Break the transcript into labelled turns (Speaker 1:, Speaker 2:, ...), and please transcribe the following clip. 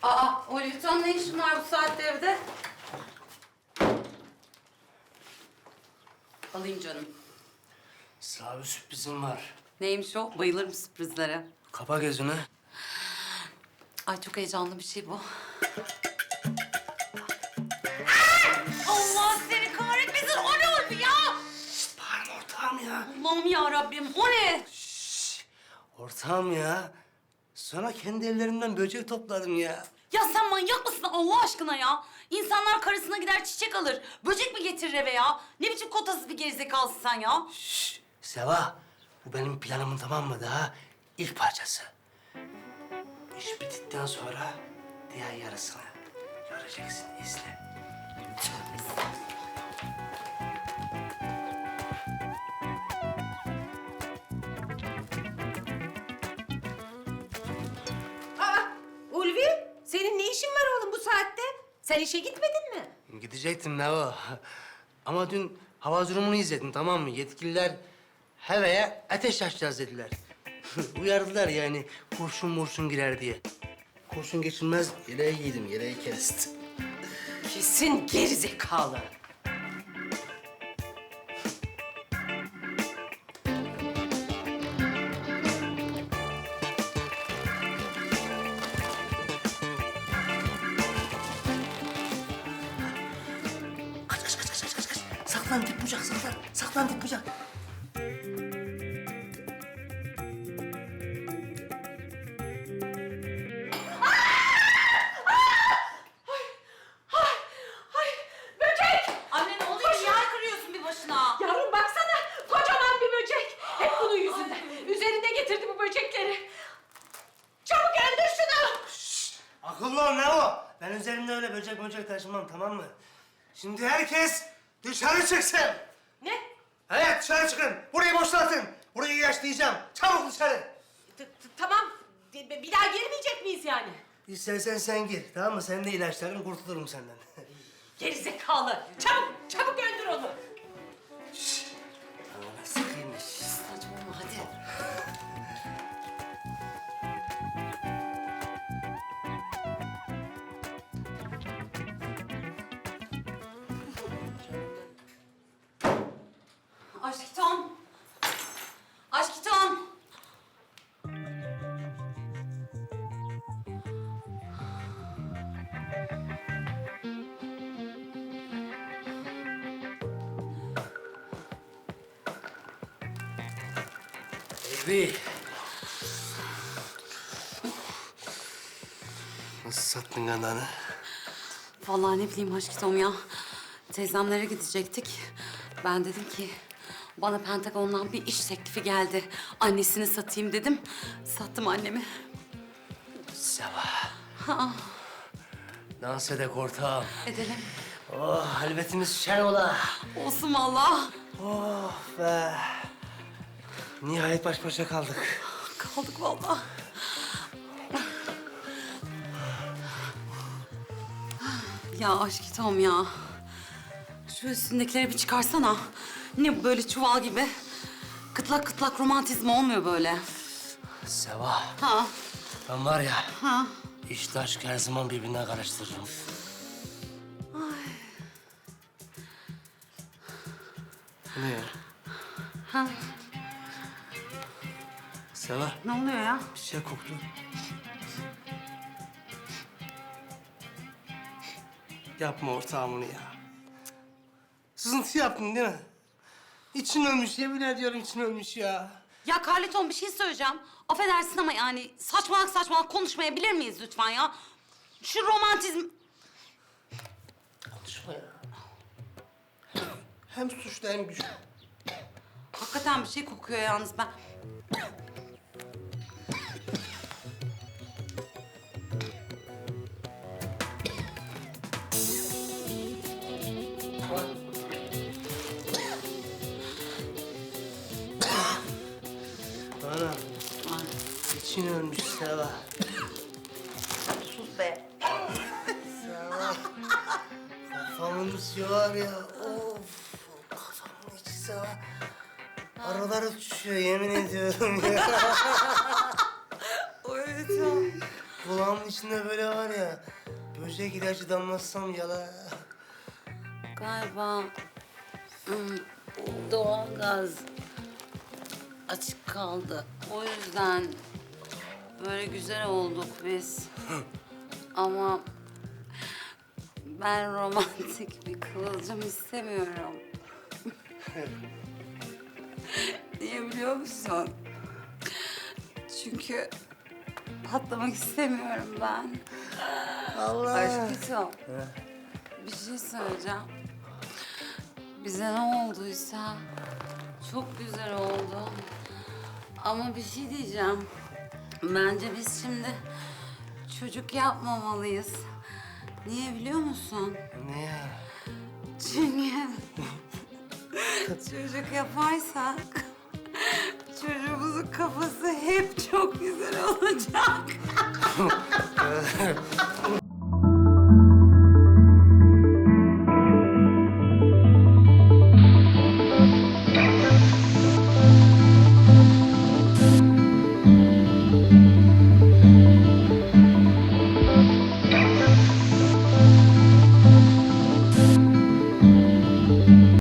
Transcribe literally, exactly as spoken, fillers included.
Speaker 1: Aa, o Lütfen ne işin var bu saatte evde? Alayım canım.
Speaker 2: Sana bir sürprizim var.
Speaker 1: Neymiş o? Bayılırım sürprizlere.
Speaker 2: Kapa gözünü.
Speaker 1: Ay çok heyecanlı bir şey bu. Allah seni kahretmesin! O ne oldu ya?
Speaker 2: Şişt, bağırma ortağım ya.
Speaker 1: Allah'ım ya Rabbim, o ne?
Speaker 2: Şşş, ortağım ya. Sana kendi ellerimden böcek topladım ya.
Speaker 1: Ya sen manyak mısın Allah aşkına ya? İnsanlar karısına gider çiçek alır. Böcek mi getirir eve ya? Ne biçim kotasız bir gerizekalısın sen ya?
Speaker 2: Şşş, Seva. Bu benim planımın, tamam mı, daha ilk parçası. İş bittikten sonra diğer yarısını göreceksin, izle.
Speaker 3: Aa, Ulvi, senin ne işin var oğlum bu saatte? Sen işe gitmedin mi?
Speaker 2: Gidecektim Nevo. Ama dün hava durumunu izledim, tamam mı? Yetkililer havaya ateş açacağız dediler. Uyardılar yani kurşun murşun girer diye. Kurşun geçilmez yeleği giydim, yeleği kestim.
Speaker 3: Kesin gerizekalı.
Speaker 2: Kaç kaç kaç kaç kaç kaç. Saklan dip bucak, saklan. Saklan dip bucak.
Speaker 3: Böcek!
Speaker 1: Anne ne oluyor? Niye kırıyorsun bir başına?
Speaker 3: Yavrum baksana, kocaman bir böcek. Hep bunun yüzünden. Üzerinde getirdi bu böcekleri. Çabuk öldür şunu!
Speaker 2: Akıllı ol Nevo. Ben üzerimde öyle böcek böcek taşımam, tamam mı? Şimdi herkes dışarı çıksın.
Speaker 3: Ne?
Speaker 2: Evet, dışarı çıkın. Burayı boşaltın. Burayı ilaçlayacağım. Çabuk dışarı.
Speaker 3: T- t- Tamam, bir bir daha girmeyecek miyiz yani?
Speaker 2: İstersen sen gir, tamam mı? Sen de ilaçlarım, kurtulurum senden.
Speaker 3: Gerizekalı! Çabuk, çabuk öldür onu!
Speaker 2: Bana sıkıymış.
Speaker 1: Saçmalama hadi. Aşkitom. Aşkitom.
Speaker 2: Baby. Nasıl sattın kananı?
Speaker 1: Vallahi ne bileyim aşkitom ya. Teyzemlere gidecektik. Ben dedim ki bana Pentagon'dan bir iş teklifi geldi. Annesini satayım dedim. Sattım annemi.
Speaker 2: Seva.
Speaker 1: Ha,
Speaker 2: Dans edek ortağım.
Speaker 1: edelim.
Speaker 2: Oh, halvetimiz şen ola.
Speaker 1: Olsun vallahi.
Speaker 2: Oh be. Nihayet baş başa kaldık.
Speaker 1: Kaldık vallahi. Ya aşkitom ya. Şu üstündekileri bir çıkarsana. Ne bu böyle çuval gibi? Kıtlak kıtlak romantizm olmuyor böyle.
Speaker 2: Seva,
Speaker 1: Ha,
Speaker 2: ben var ya,
Speaker 1: ha.
Speaker 2: işte aşk her zaman birbirine karıştırırım. Bu ne ya?
Speaker 1: Ha.
Speaker 2: Seva,
Speaker 1: Ne oluyor ya?
Speaker 2: bir şey koktu. Yapma ortağım onu ya. Sızıntı yaptın değil mi? İçin ölmüş, yemin ediyorum için ölmüş ya.
Speaker 1: Ya Carleton bir şey söyleyeceğim. Affedersin ama yani saçmalık saçmalık konuşmayabilir miyiz lütfen ya? Şu romantizm...
Speaker 2: Konuşma ya. Hem suçlu hem güçlü.
Speaker 1: Hakikaten bir şey kokuyor yalnız ben.
Speaker 2: Ana, için ölmüş Seva.
Speaker 1: Sus be.
Speaker 2: Seva. Kafamın içi var ya, of. Kafamın içi Seva. Aralar uçuşuyor, yemin ediyorum ya.
Speaker 1: Evet ya.
Speaker 2: kulağımın içinde böyle var ya, böcek ilacı damlatsam yala.
Speaker 1: Galiba hmm, doğalgaz açık kaldı. O yüzden böyle güzel olduk biz. Ama ben romantik bir kıvılcım istemiyorum. Niye biliyor musun? Çünkü patlamak istemiyorum ben.
Speaker 2: Allah.
Speaker 1: Aşkım, bir şey söyleyeceğim. Bize ne olduysa çok güzel oldu. Ama bir şey diyeceğim. Bence biz şimdi çocuk yapmamalıyız. Niye biliyor musun?
Speaker 2: Ne ya?
Speaker 1: Çünkü çocuk yaparsak çocuğumuzun kafası hep çok güzel olacak.